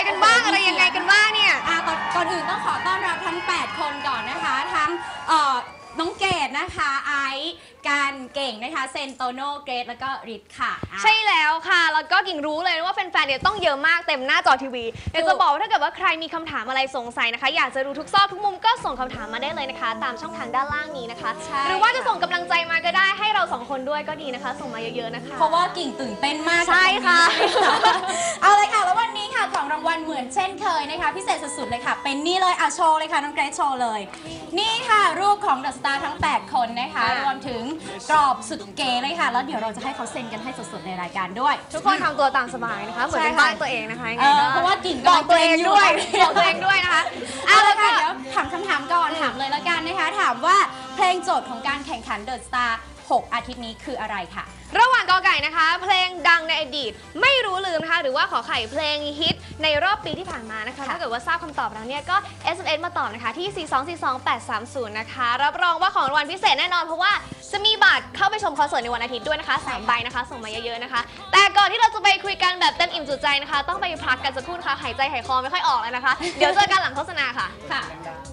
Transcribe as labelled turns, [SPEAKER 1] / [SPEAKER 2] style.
[SPEAKER 1] กันบ้างอะไรยังไงกันบ้างเนี่ย
[SPEAKER 2] ก่อนอื่นต้องขอต้อนรับทั้ง 8 คนก่อนนะคะทั้งน้องเกดนะคะไอซ์การเก่งนะคะเซนโตโนเกรดแล้วก็ริทค่ะ
[SPEAKER 1] ใช่แล้วค่ะแล้วก็กิ่งรู้เลยว่าแฟนๆเนี่ยต้องเยอะมากเต็มหน้าจอทีวีอยากจะบอกว่าถ้าเกิดว่าใครมีคำถามอะไรสงสัยนะคะอยากจะรู้ทุกซอกทุกมุมก็ส่งคำถามมาได้เลยนะคะตามช่องทางด้านล่างนี้นะคะหรือว่าจะส่งกำลังใจมาก็ได้ให้เรา2คนด้วยก็ดีนะคะส่งมาเยอะๆนะคะ
[SPEAKER 2] เพราะว่ากิ่งตื่นเต้นมาก
[SPEAKER 1] ใช่ค่ะ
[SPEAKER 2] เอาเลยค่ะแล้ววันนี้ค่ะของรางวัลเหมือนเช่นเคยนะคะพิเศษสุดๆเลยค่ะเป็นนี่เลยโชว์เลยค่ะน้องเกรซโชว์เลยนี่ค่ะรูปของเดอะสตาร์ทั้ง8คนนะคะรวมถึงกรอบสุดเก๋เลยค่ะแล้วเดี๋ยวเราจะให้เขาเซ็นกันให้สดๆในรายการด้วย
[SPEAKER 1] ทุกคนทำตัวตามสบายนะคะเหมือนเป็นบ้านตัวเองนะคะ
[SPEAKER 2] เพราะว่ากิ่ง
[SPEAKER 1] บอกตัวเองด้วยบอกตัวเองด้วยนะคะ
[SPEAKER 2] เอาละค่ะเดี๋ยวถามคำถามก่อนถามเลยแล้วกันนะคะถามว่าเพลงโจทย์ของการแข่งขันเดอะสตาร์6 อาทิตย์นี้คืออะไรค่ะ
[SPEAKER 1] ระหว่างกอไก่นะคะเพลงดังในอดีตไม่รู้ลืมนะคะหรือว่าขอไข่เพลงฮิตในรอบปีที่ผ่านมานะคะถ้าเกิดว่าทราบคำตอบแล้วเนี่ยก็ SMS มาตอบนะคะที่ 4242830 นะคะรับรองว่าของรางวัลพิเศษแน่นอนเพราะว่าจะมีบัตรเข้าไปชมคอนเสิร์ตในวันอาทิตย์ด้วยนะคะ3 ใบนะคะส่งมาเยอะๆนะคะแต่ก่อนที่เราจะไปคุยกันแบบเต็มอิ่มจุใจนะคะต้องไปพักกันสักครู่นะคะหายใจหายคอไม่ค่อยออกแล้วนะคะเดี๋ยวเจอกันหลังโฆษณาค่ะ